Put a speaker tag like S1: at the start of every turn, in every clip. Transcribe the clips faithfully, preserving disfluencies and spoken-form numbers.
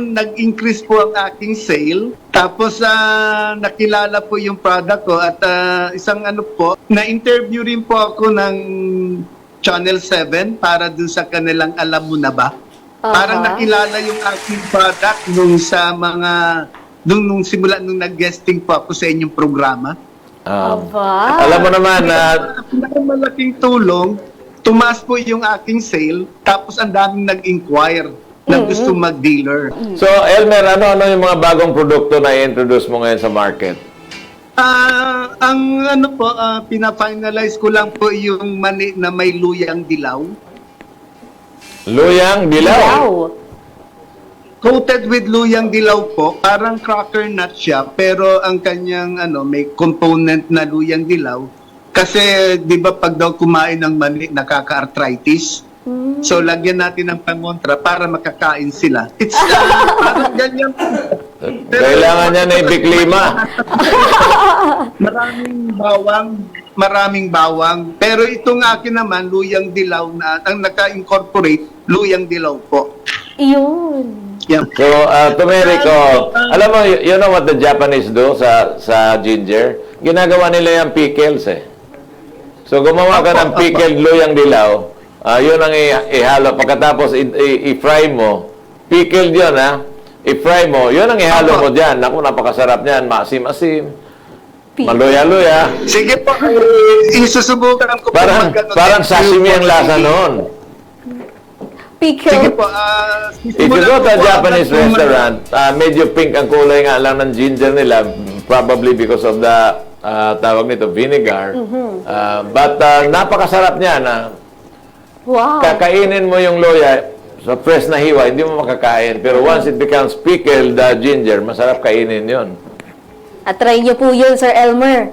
S1: talagang nag-increase po ang aking sale. Tapos uh, nakilala po yung product ko at uh, isang ano po, na-interview rin po ako ng Channel seven para dun sa kanilang Alam Mo Na Ba.
S2: Uh-huh.
S1: Parang nakilala yung aking product nung sa mga, nung, nung simula nung nag-guesting po ako sa inyong programa.
S3: Um,
S2: Aba.
S3: alam mo naman na
S1: uh, malaking tulong, tumaas po yung aking sale, tapos ang daming nag-inquire na gusto mag-dealer.
S3: so, Elmer, ano-ano yung mga bagong produkto na i-introduce mo ngayon sa market?
S1: Ah, ang ano po, ah, pina-finalize ko lang po yung mani na may luyang dilaw.
S3: Luyang dilaw.
S2: Wow.
S1: Coated with luyang dilaw po, parang cracker nut siya, pero ang kanyang ano, may component na luyang dilaw. Kasi 'di ba pag daw kumain ng mani nakaka-arthritis.
S2: Mm.
S1: So lagyan natin ng pangontra para makakain sila. It's uh, parang ganyan.
S3: Kailangan niya na ibiklima.
S1: Maraming bawang, maraming bawang. Pero itong akin naman, luyang dilaw na, ang naka-incorporate, luyang dilaw po.
S2: Iyon.
S1: Yan.
S3: So, uh, turmeric, oh, alam mo, you, you know what the Japanese do sa sa ginger? Ginagawa nila yung pickles eh. So, gumawa ka ng pickled luyang dilaw, uh, yun ang i- ihalo. Pagkatapos, i- i- i-fry mo, pickled yun ha, i-fry mo, yun ang ihalo mo dyan. Naku, napakasarap niyan, maasim-asim, maluya-luya.
S1: Sige po, eh, isusubukan ko po
S3: Parang,
S1: magkano-
S3: parang sashimi ang lasa noon.
S2: Pickle.
S1: Sige po, ah,
S3: If you go to a
S1: po
S3: Japanese
S1: agad kung-
S3: restaurant, uh, medyo pink ang kulay nga lang ng ginger nila, probably because of the uh, tawag nito, vinegar. Uh, but uh, napakasarap niya na
S2: Wow.
S3: kakainin mo yung loya sa fresh na hiwa, hindi mo makakain. Pero once it becomes pickled uh, ginger, masarap kainin yon.
S2: At try niyo po yun, Sir Elmer.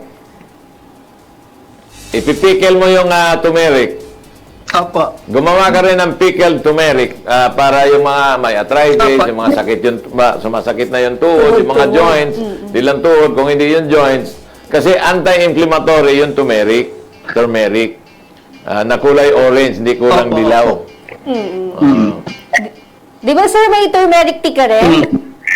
S3: Ipipickle mo yung uh, turmeric.
S1: Opo.
S3: Gumawa ka rin ng pickled turmeric uh, para yung mga may arthritis,
S1: Opo.
S3: yung mga sakit yung ba, sumasakit na yung tuhod, yung mga joints, di lang tuhod, kung hindi yung joints. Kasi anti-inflammatory yung turmeric, turmeric, uh, na kulay orange, hindi kulang
S1: Opo,
S3: dilaw.
S2: Mm-mm.
S3: Uh,
S2: Di ba, Sir, may turmeric tea ka rin?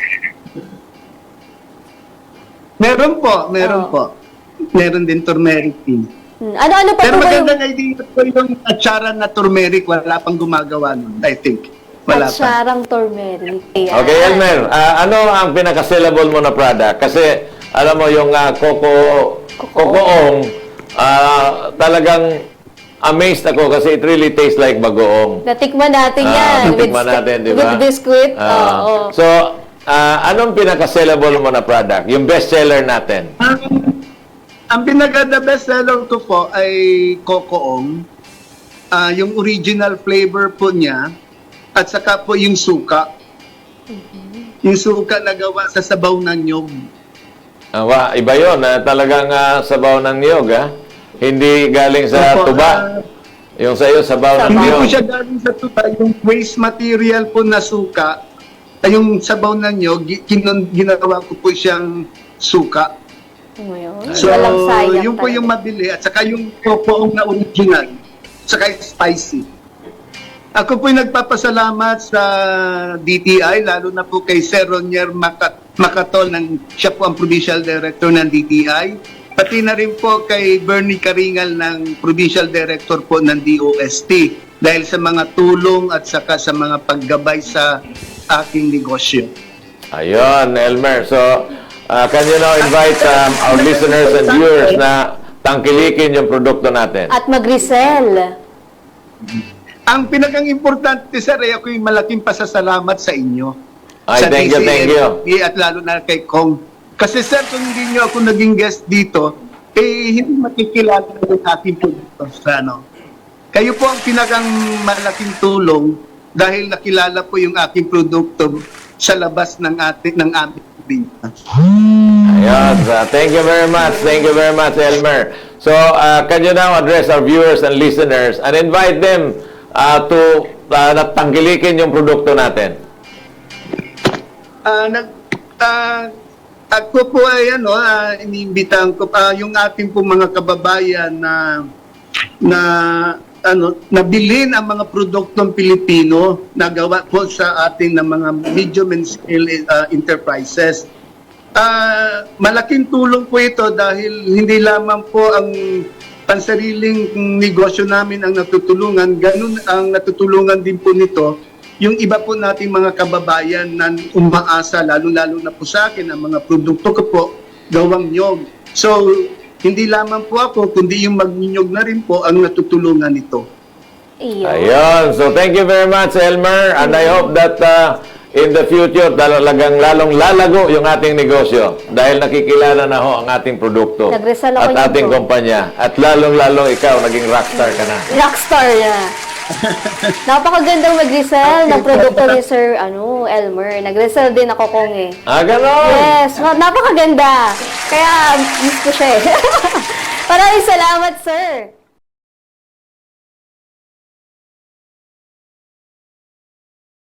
S1: Meron po, meron
S2: Oh.
S1: po. Meron din turmeric tea.
S2: Hmm. Ano-ano pa
S1: Pero
S2: po ba yung
S1: magandang idea po yung atsara na turmeric, wala pang gumagawa nun, I think. Wala pa.
S2: atsarang turmeric? Ayan.
S3: okay, Elmer, uh, ano ang pinaka-sellable mo na product? Kasi, alam mo, yung uh, coco, cocoong, uh, talagang amazed ako kasi it really tastes like bagoong.
S2: Natikman natin
S3: Ah,
S2: yan.
S3: natikman
S2: with,
S3: natin, di ba?
S2: With biscuit.
S3: Ah,
S2: Oo.
S3: So, ah, anong pinaka-sellable mo na product? Yung best-seller natin?
S1: Ang, ang pinaka-the best seller ko po ay cocoong. Ah, yung original flavor po niya at saka po yung suka. Yung suka na gawa sa sabaw ng nyog.
S3: Ah, wa, iba yun. ah, talagang ah, sabaw ng niyog, ha? Hindi galing sa
S1: Opo,
S3: tuba.
S1: ah,
S3: Yung sa iyo, sabaw ng
S1: Hindi
S3: niyog.
S1: po siya galing sa tuba. Yung waste material po na suka, ay yung sabaw ng nyog, gi- kinon- ginawa ko po siyang suka.
S2: Ngayon,
S1: So,
S2: walang sayang
S1: yung po
S2: talaga.
S1: yung mabili at saka yung cocoong na original, saka spicy. Ako po nagpapasalamat sa D T I, lalo na po kay Sir Ronier Macat Macatol, ng, siya po ang Provincial Director ng D T I. Pati na rin po kay Bernie Karingal ng Provincial Director po ng D O S T dahil sa mga tulong at saka sa mga paggabay sa aking negosyo.
S3: Ayun, Elmer. So, ah, can you now invite um, our listeners and viewers na tangkilikin yung produkto natin?
S2: At mag-resell.
S1: Ang pinakang importante, sir, ay ako yung malaking pasasalamat sa inyo.
S3: Ay,
S1: sa
S3: thank you, thank you.
S1: D C L At lalo na kay Kong. Kasi sir, kung hindi nyo ako naging guest dito, eh, hindi makikilala ng aking produkto sa ano. Kayo po ang pinakang malaking tulong dahil nakilala po yung aking produkto sa labas ng ating ng aming binta.
S3: Ayun. So, thank you very much. Thank you very much, Elmer. So, uh, can you now address our viewers and listeners and invite them uh, to uh, tangkilikin yung produkto natin?
S1: Ah, nag ah, ako po ay ano, ah, iniimbitahan ko pa yung ating po mga kababayan na na ano, nabilin ang mga produktong Pilipino na gawa po sa ating ng mga medium and scale uh, enterprises. Ah, malaking tulong po ito dahil hindi lamang po ang pansariling negosyo namin ang natutulungan, ganun ang natutulungan din po nito yung iba po nating mga kababayan na umaasa, lalo-lalo na po sa akin, ang mga produkto ko po, gawang nyog. So, hindi lamang po ako, kundi yung magninyog na rin po ang natutulungan nito.
S2: Iyo.
S3: Ayun. So, thank you very much, Elmer. And I hope that uh, in the future, talagang lalong lalago yung ating negosyo dahil nakikilala na ho ang ating produkto
S2: Nagresal ako
S3: at
S2: nito.
S3: ating kumpanya. At lalong-lalo ikaw, naging rockstar ka na.
S2: Rockstar na. Napakagandang mag-resell ng produkto ni Sir ano, Elmer. Nag-resell din ako kong eh.
S3: Ah, ganon.
S2: Yes, ma- napakaganda. Kaya miss ko siya eh. Maraming salamat, sir.